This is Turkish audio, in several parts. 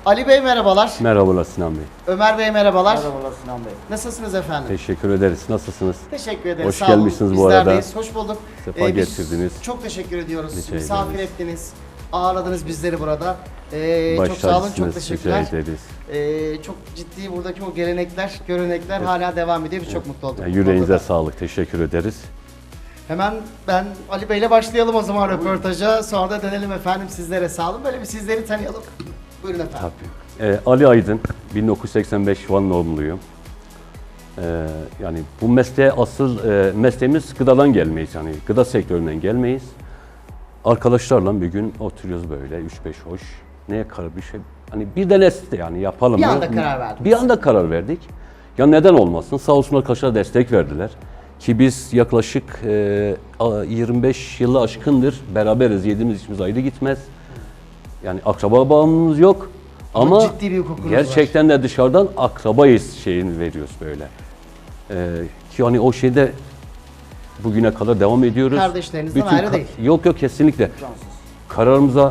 Ali Bey merhabalar. Merhabalar Sinan Bey. Ömer Bey merhabalar. Merhabalar Sinan Bey. Nasılsınız efendim? Teşekkür ederiz. Nasılsınız? Teşekkür ederiz. Hoş Sağ olun. gelmişsiniz bu arada. Bizlerdeyiz. Hoş bulduk. Sefa Biz getirdiniz. Çok teşekkür ediyoruz. Rica Misafir ederiz. ettiniz. Ağırladınız bizleri burada. Çok sağ olun. Çok Başarısınız. teşekkürler. Rica ederiz. Çok ciddi buradaki o gelenekler, görenekler hala devam ediyor. Biz çok mutlu olduk. Yani bu yüreğinize konuda. sağlık. Teşekkür ederiz. Hemen ben Ali Bey'le başlayalım o zaman röportaja. Sonra da dönelim efendim sizlere. Sağ olun. Böyle bir sizleri tanıyalım. Buyurun efendim. Tabii. Ali Aydın, 1985 Van doğumluyum. Yani bu mesleğe mesleğimiz gıdadan gelmeyiz, yani gıda sektöründen gelmeyiz. Arkadaşlarla bir gün oturuyoruz böyle 3-5 hoş. Neye karar bir şey? Hani bir deneste yani yapalım. Bir mı? anda karar verdiniz. Bir anda karar verdik. Ya neden olmasın? Sağ olsun arkadaşlar destek verdiler. Ki biz yaklaşık 25 yılı aşkındır beraberiz. Yediğimiz içimiz ayrı gitmez. Yani akraba bağımlılığımız yok. Ama ciddi bir hukukunuz gerçekten de dışarıdan akrabayız şeyini veriyoruz böyle. Ki hani o şeyde bugüne kadar devam ediyoruz. Kardeşlerinizden ayrı değil. Yok yok kesinlikle. Cansız.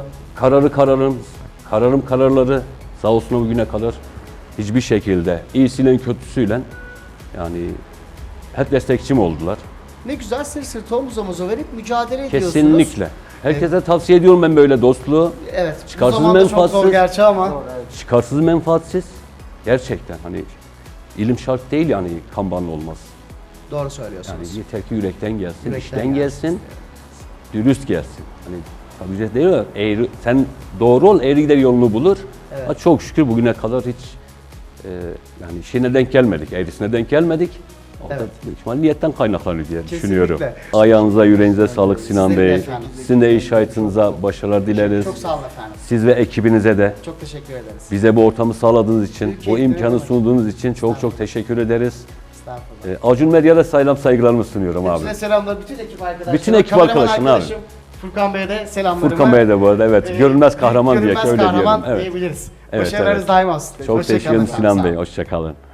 Kararları sağ olsun bugüne kadar hiçbir şekilde iyisiyle kötüsüyle yani hep destekçim oldular. Ne güzel sırt sırta omuz omuza verip mücadele ediyorsunuz. Kesinlikle. Herkese tavsiye ediyorum ben böyle dostluğu. Evet. Çıkarsız bu zamanda çok zor menfaatsiz. gerçi ama. Doğru, evet. Çıkarsız menfaatsiz. Gerçekten hani ilim şart değil yani kambanlı olmaz. Doğru Yani söylüyorsunuz. yeter ki yürekten gelsin, Yürekten işten gelsin. gelsin, dürüst gelsin. Hani tabii ki değil mi? Eğri, sen doğru ol, eğri gider yolunu bulur. Evet. Ama çok şükür bugüne kadar hiç yani şeyine denk gelmedik, eğrisine denk gelmedik. O da Evet. büyük ihtimal niyetten kaynaklanıyor diye Kesinlikle. düşünüyorum. Ayağınıza, yüreğinize sağlık Sinan Sizin de Bey. efendim. Sizin de iş hayatınıza başarılar dileriz. Çok sağ olun efendim. Siz ve ekibinize de Çok teşekkür ederiz. bize bu ortamı sağladığınız için, Büyük bu keyifli, imkanı evet. sunduğunuz için çok teşekkür ederiz. Estağfurullah. Acun Medya'da saygılarımı sunuyorum abi. Hepsine selamlar bütün ekip arkadaşlarım. Bütün ekip Kameraman arkadaşım abi. arkadaşım Furkan Bey'e de selamlarımı. Furkan Bey'e de bu arada evet. Görünmez kahraman diye görünmez öyle kahraman diyelim. Evet. diyebiliriz. Evet, Başarılarınız evet. daim olsun. Çok Hoşça teşekkür kalın ederim efendim, Sinan sağ Bey. olun. Hoşça kalın.